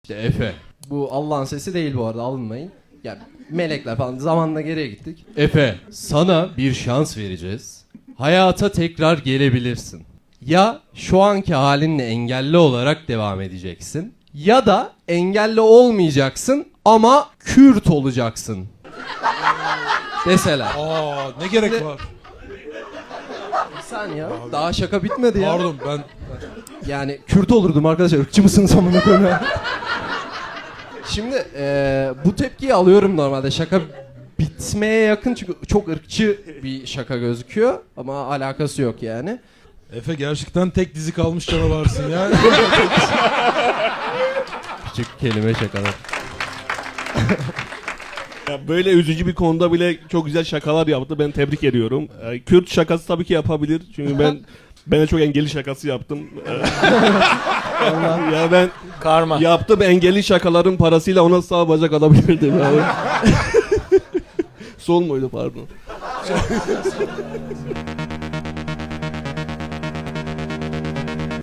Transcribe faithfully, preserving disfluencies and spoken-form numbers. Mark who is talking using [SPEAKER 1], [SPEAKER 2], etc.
[SPEAKER 1] İşte Efe. Bu Allah'ın sesi değil bu arada, alınmayın. Ya melekler falan, zamanla geriye gittik. Efe, sana bir şans vereceğiz. Hayata tekrar gelebilirsin. Ya şu anki halinle engelli olarak devam edeceksin, ya da engelli olmayacaksın ama Kürt olacaksın. Mesela.
[SPEAKER 2] Aa, ne gerek
[SPEAKER 1] Şimdi-
[SPEAKER 2] var?
[SPEAKER 1] Bir saniye, daha şaka bitmedi ya.
[SPEAKER 2] Pardon ben
[SPEAKER 1] Yani Kürt olurdum arkadaşlar. Irkçı mısınız amına koyayım ya? Şimdi eee, bu tepkiyi alıyorum normalde. Şaka bitmeye yakın çünkü çok ırkçı bir şaka gözüküyor. Ama alakası yok yani.
[SPEAKER 2] Efe gerçekten tek dizi kalmış canavarsın ya.
[SPEAKER 1] Küçük kelime şakalar.
[SPEAKER 3] Ya böyle üzücü bir konuda bile çok güzel şakalar yaptı. Ben tebrik ediyorum. Ee, Kürt şakası tabii ki yapabilir. Çünkü ben ben de çok engelli şakası yaptım. Ee, ya ben
[SPEAKER 4] Karma.
[SPEAKER 3] yaptım engelli şakaların parasıyla ona sağ bacak alabilirdim yani. Sol muydu pardon.